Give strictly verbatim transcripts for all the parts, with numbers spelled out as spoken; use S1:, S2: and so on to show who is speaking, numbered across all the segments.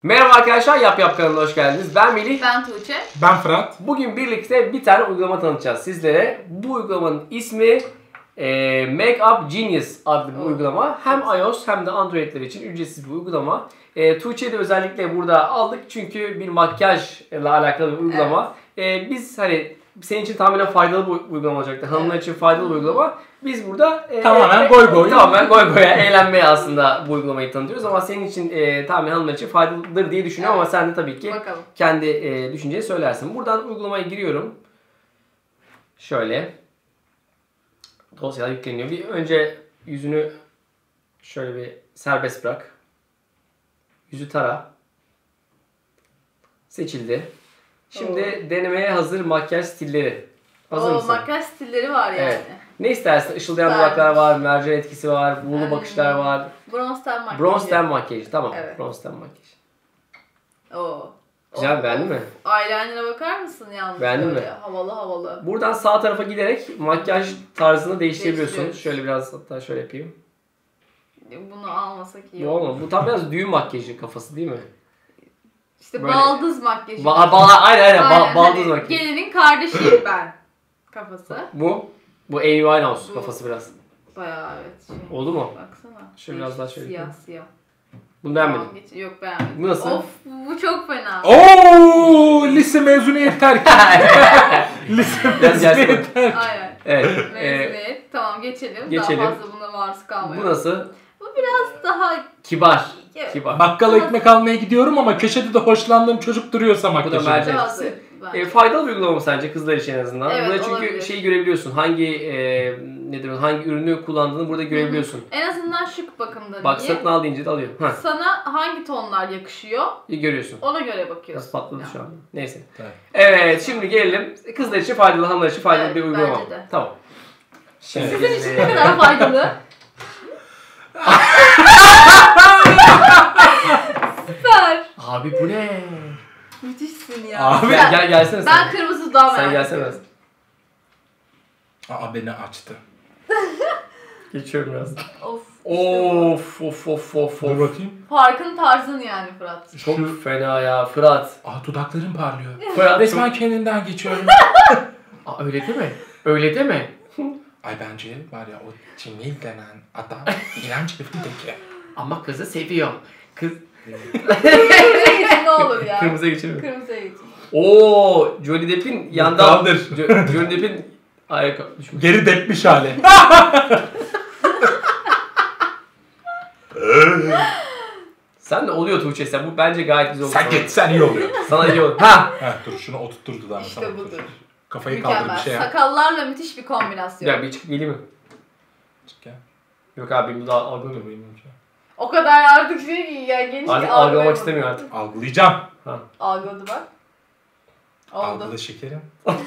S1: Merhaba arkadaşlar, Yap Yap kanalına hoş geldiniz. Ben Melih.
S2: Ben Tuğçe.
S3: Ben Fırat.
S1: Bugün birlikte bir tane uygulama tanıtacağız sizlere. Bu uygulamanın ismi e, Makeup Genius adlı bir
S2: Oh.
S1: uygulama. Hem iOS hem de Android'ler için ücretsiz bir uygulama. E, Tuğçe'yi de özellikle burada aldık çünkü bir makyajla alakalı bir uygulama. Evet. E, biz hani senin için tamamen faydalı bir uygulama olacaktı. Hanımlar
S2: Evet.
S1: için faydalı bir uygulama. Biz burada e,
S3: Tamamen
S1: e,
S3: goy goy.
S1: Tamamen goy goya, eğlenmeye aslında bu uygulamayı tanıtıyoruz ama senin için e, tamamen hanımlar için faydalıdır diye düşünüyorum
S2: Evet.
S1: ama sen de tabii ki
S2: Bakalım.
S1: kendi e, düşünceni söylersin. Buradan uygulamaya giriyorum. Şöyle. Dosyalar yükleniyor. Bir önce yüzünü şöyle bir serbest bırak. Yüzü tara. Seçildi. Şimdi
S2: Oo.
S1: denemeye hazır makyaj stilleri. Hazır
S2: Oo,
S1: mısın?
S2: makyaj stilleri var yani.
S1: Evet. Ne istersin? Işıldayan
S2: Güzelmiş.
S1: dudaklar var, mercan etkisi var, buğulu
S2: Hmm.
S1: bakışlar var.
S2: Bronze ten makyajı.
S1: Bronze ten makyajı. Tamam.
S2: Evet.
S1: Bronze ten makyajı.
S2: Oo.
S1: Güzel,
S2: Oo.
S1: beğendin mi?
S2: Eyeliner'a bakar mısın yalnız?
S1: Beğendin
S2: böyle?
S1: mi?
S2: Havalı havalı.
S1: Buradan sağ tarafa giderek makyaj tarzını değiştirebiliyorsun.
S2: Değiştiriyoruz.
S1: Şöyle biraz hatta şöyle yapayım.
S2: Bunu almasak iyi
S1: Bu
S2: olur.
S1: olmadı. Bu tam biraz düğün makyajı kafası değil mi?
S2: İşte
S1: Böyle-
S2: baldız makyajı.
S1: Ba ba aynen aynen, ba
S2: Aynen,
S1: baldız
S2: hani
S1: makyajı.
S2: Gelinin kardeşiyim ben. Kafası.
S1: Bu bu Amy Winehouse
S2: Bu-
S1: kafası biraz.
S2: Bayağı evet. Şey.
S1: Oldu mu?
S2: Baksana.
S1: Şöyle biraz daha şöyle
S2: Siyah
S1: yapayım.
S2: siyah.
S1: Bunu beğenmedim.
S2: Tamam, geç- Yok beğenmedim.
S1: Bu nasıl?
S2: Of bu çok fena.
S3: Oo, lise mezuniyet terk. lise
S1: Biraz
S3: mezuniyet
S1: yersin.
S3: terk.
S2: Aynen.
S1: Evet. e,
S2: Mezuniyet. Tamam geçelim.
S1: geçelim.
S2: Daha fazla buna maruz kalmayalım.
S1: bu nasıl?
S2: Bu biraz daha
S1: Kibar.
S2: Evet.
S1: Kibar.
S3: Bakkala ekmek almaya gidiyorum ama köşede de hoşlandığım çocuk duruyorsa
S1: Bu da
S3: makyajım.
S1: mercan
S2: daha
S1: etkisi.
S2: zevkli bence.
S1: E, faydalı bir uygulama mı sence kızlar için en azından?
S2: Evet,
S1: Burada çünkü
S2: olabilir.
S1: şeyi görebiliyorsun. Hangi e, nedir o, hangi ürünü kullandığını burada görebiliyorsun.
S2: En azından şık bakımda
S1: Bak
S2: diye.
S1: satın al deyince de alıyor. Heh,
S2: Sana hangi tonlar yakışıyor
S1: iyi görüyorsun.
S2: ona göre
S1: Biraz
S2: bakıyorsun.
S1: patladı
S2: Ya.
S1: şu an. Neyse.
S3: Evet.
S1: Evet, şimdi gelelim. Kızlar için faydalı, hanımlar için faydalı
S2: Evet,
S1: bir uygulama.
S2: bence de.
S1: Tamam. Şimdi
S2: Sizin için ne kadar faydalı? Süper.
S1: Abi bu ne?
S2: Müthişsin ya.
S3: Abi,
S1: Gel, gel gelsene sen.
S2: Ben kırmızı daha merak
S1: Sen gelsene
S2: ediyorum.
S1: biraz.
S3: Aa, beni açtı.
S1: Geçiyorum biraz.
S2: Of.
S1: Of of of of
S3: Dur
S1: of.
S3: bakayım.
S2: Farkın tarzın yani Fırat.
S1: Çok
S3: Şu-
S1: fena ya Fırat.
S3: Aa, dudaklarım parlıyor.
S1: Fırat
S3: Resmen kendinden geçiyorum.
S1: Aa, öyle deme. Öyle deme.
S3: Ay bence var ya o Cemil denen adam iğrenç herifindeki.
S1: Ama kızı seviyor. Kız...
S2: ne olur ya.
S1: Kırmızıya geçelim.
S2: Kırmızıya geç.
S1: Oo, Johnny Depp'in yandan...
S3: Kaldır.
S1: Jo- Johnny Depp'in... Ay, düşmüş.
S3: Geri depmiş hali.
S1: Sen de oluyor Tuğçe sen. Bu bence gayet güzel oldu.
S3: Sen
S1: sana.
S3: git sen iyi oluyor.
S1: Sana iyi oldu. Ha!
S3: Heh, dur şunu oturttur dudağına.
S2: İşte
S3: tamam,
S2: budur.
S3: dur. Kafayı kaldır
S2: Mükemmel.
S3: bir şey yap.
S2: Sakallarla müthiş bir kombinasyon.
S1: Ya bir çıkıp geleyim mi?
S3: Çık gel.
S1: Yok abi benim daha algılamıyor.
S3: Dur, bilmiyorum ki.
S2: O kadar artık şey ki ya geniş
S1: Artık
S2: bir
S1: algılamak
S2: algılayamadım.
S1: istemiyor artık.
S3: Algılayacağım.
S1: Ha.
S2: Algıladı bak. Oldu.
S3: Algıla şekerim.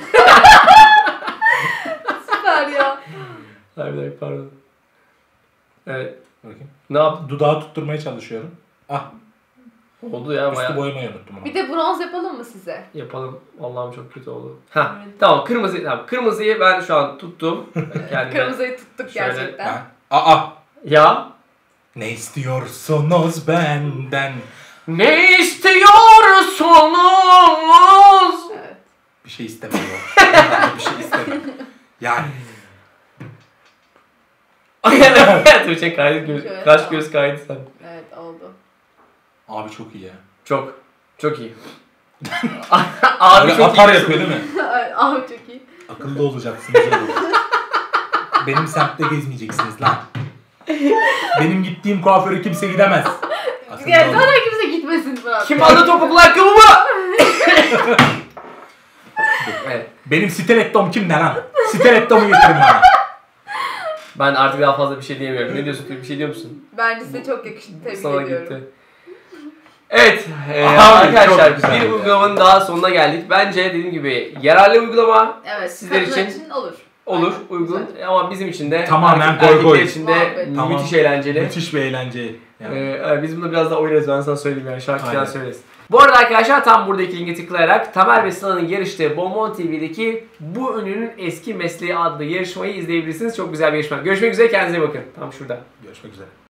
S2: Süper ya.
S1: Hayır bir dakika pardon. Evet.
S3: Bakayım.
S1: Ne yaptın?
S3: Dudağı tutturmaya çalışıyorum. Ah,
S1: Oldu ya
S3: üstü
S1: bayağı.
S3: boyamayı unuttum ama.
S2: Bir de bronz yapalım mı size?
S1: Yapalım. Allah'ım çok kötü oldu. Ha.
S2: Evet.
S1: Tamam kırmızı tamam. Kırmızıyı ben şu an tuttum. Kendime.
S2: Kırmızıyı tuttuk
S1: Şöyle,
S2: gerçekten.
S3: Ben, aa,
S1: Ya.
S3: ne istiyorsunuz benden?
S1: Ne istiyorsunuz?
S2: Evet.
S3: Bir şey istemiyorum. Ben de bir şey istemiyorum. Yani
S1: Tuğçe kaydı göz,
S2: Şöyle,
S1: kaş
S2: tamam.
S1: göz kaydı sen.
S2: Evet oldu.
S3: abi çok iyi ya.
S1: Çok. Çok iyi. Abi
S3: Böyle
S1: çok
S3: atar
S1: iyi.
S3: yapıyor değil mi?
S2: Evet, ah çok iyi.
S3: Akıllı olacaksınız oğlum. Benim semtte gezmeyeceksiniz lan. Benim gittiğim kuaföre kimse gidemez. Akıllı
S2: Yani
S3: olun.
S2: zaten kimse gitmesin Fırat.
S1: Kim aldı topuklu ayakkabımı? Evet.
S3: Benim stilettom kimde lan? Stilettomu getirin bana.
S1: Ben artık daha fazla bir şey diyemiyorum. Ne diyorsun? Bir şey diyor musun?
S2: Bence size çok yakıştı. Tebrik
S1: Sana
S2: ediyorum.
S1: gitti. Evet e,
S3: Abi,
S1: arkadaşlar
S3: çok güzel
S1: bir
S3: ya.
S1: uygulamanın daha sonuna geldik. Bence dediğim gibi yararlı uygulama
S2: Evet.
S1: Sizler
S2: kadınlar
S1: için
S2: olur.
S1: olur,
S2: Aynen,
S1: uygun
S2: güzel.
S1: ama bizim için de
S3: Tamamen
S1: erkek-
S3: goy goy.
S1: erkekler için de
S2: Muhabbet.
S3: Tamam.
S1: müthiş eğlenceli.
S3: Müthiş bir eğlence. Yani.
S1: Ee, biz bunu biraz daha oynarız, ben sana söyleyeyim yani şarkı
S3: Aynen.
S1: falan söyleriz. Bu arada arkadaşlar tam buradaki linke tıklayarak Tamer ve Sıla'nın yarıştığı Bonbon T V'deki Bu Ünlünün Eski Mesleği adlı yarışmayı izleyebilirsiniz. Çok güzel bir yarışma. Görüşmek üzere, kendinize iyi bakın. Tam şurada.
S3: Görüşmek üzere.